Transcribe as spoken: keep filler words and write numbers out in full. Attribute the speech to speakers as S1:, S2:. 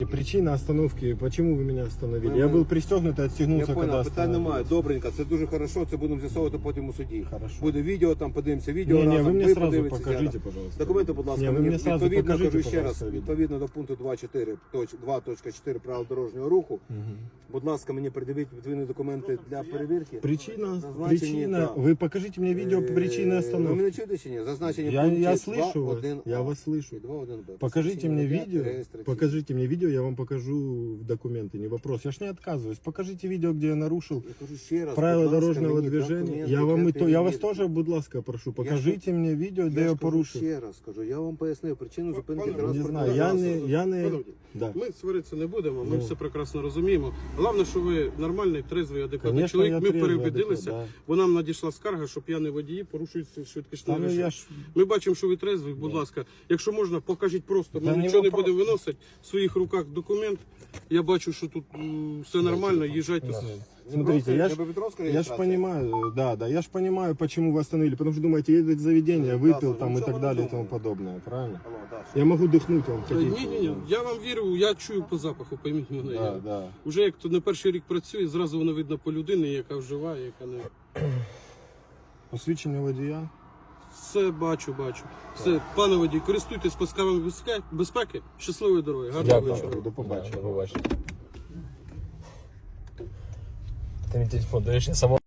S1: Причина остановки, почему вы меня остановили?
S2: Ми-
S1: Я
S2: ми-
S1: был пристегнут и
S2: Я
S1: отстегнулся, когда
S2: понял, питань немає.
S1: остановился.
S2: Добренько, це дуже хорошо, це будемо з'ясовувати потім у суді.
S1: Хорошо.
S2: Буде відео, там подивимося відео
S1: Не, не,
S2: разом,
S1: вы мне сразу
S2: подивитеся,
S1: покажите,
S2: да.
S1: пожалуйста.
S2: Документи, будь ласка,
S1: Не, вы
S2: мені
S1: мне сразу
S2: відповідно,
S1: покажите,
S2: кажу ще раз,
S1: пожалуйста, видео.
S2: відповідно до пункту два точка чотири, два точка чотири правил дорожнього руху.
S1: Мгм.
S2: Будь ласка, мені придивіть відповідні документи для перевірки.
S1: Причина,
S2: Зазначені,
S1: причина,
S2: да.
S1: вы покажите мне видео по причине
S2: Е, Ви
S1: остановки.
S2: мене чуєте чи ні? Зазначені
S1: Я,
S2: пункті
S1: я слышу
S2: два
S1: вас,
S2: один а
S1: я вас слышу.
S2: і два один б.
S1: Покажите мне
S2: Посвідчення
S1: видео,
S2: реєстраційне.
S1: покажите мне видео, я вам покажу документы, не вопрос. Я ж не отказываюсь. Покажите видео, где я нарушил
S2: Я кажу ще раз,
S1: правила
S2: будь ласка,
S1: дорожнього
S2: мені
S1: движения.
S2: документи
S1: Я вам
S2: для
S1: и то, я вас
S2: перевірки.
S1: тоже, будь ласка, прошу, покажите мне видео, где
S2: Я
S1: я
S2: ж кажу
S1: порушил.
S2: ще раз, кажу, я вам пояснив причину зупинки
S3: Пане,
S1: Не
S2: транспортного
S1: знаю, я
S2: засобу.
S1: не, я не,
S3: Панове,
S1: да.
S3: Ми сваритися не будемо, ми
S1: Ну.
S3: все прекрасно розуміємо. Головне, що ви нормальний, трезвий, адекватний
S1: Конечно,
S3: чоловік.
S1: я
S3: Ми
S1: трезвий,
S3: переубедилися,
S1: адекватний,
S3: бо нам надійшла скарга, що п'яні водії порушують швидкісний
S1: Та ну
S3: режим.
S1: я ж,
S3: Ми бачимо, що ви трезвий, будь ласка. Якщо можна, покажіть просто. Ми
S1: Та не
S3: нічого не
S1: вопрос.
S3: будемо виносити. В своїх руках документ. Я бачу, що тут м, все нормально, їжджайте.
S1: Да.
S3: собі.
S1: Смотрите, я ж,
S2: Днепропетровская
S1: я ж
S2: регистрация?
S1: понимаю, да, да, я ж понимаю, почему вы остановили, потому что думаете, едет заведение,
S2: Да,
S1: выпил
S2: Саша,
S1: там
S2: ну
S1: и
S2: что
S1: так
S2: вы
S1: далее и
S2: думаете?
S1: тому подобное, правильно?
S2: Алло, Даша.
S1: Я могу дыхнуть вам
S3: Ні,
S1: хотите.
S3: ні, ні. Я вам вірю, я чую по запаху, пойміть мене.
S1: Да,
S3: Я-
S1: да.
S3: Уже як то не перший рік працює, зразу воно видно по людині, яка вживає, яка не.
S1: Посвідчення водія.
S3: Все бачу, бачу. Все, пане водій, користуйтесь пасками безпеки, безпеки. Щасливої дороги, гарного вечора.
S1: Дякую, до побачення.
S4: До побачення. Ти мій телефон даєш, я само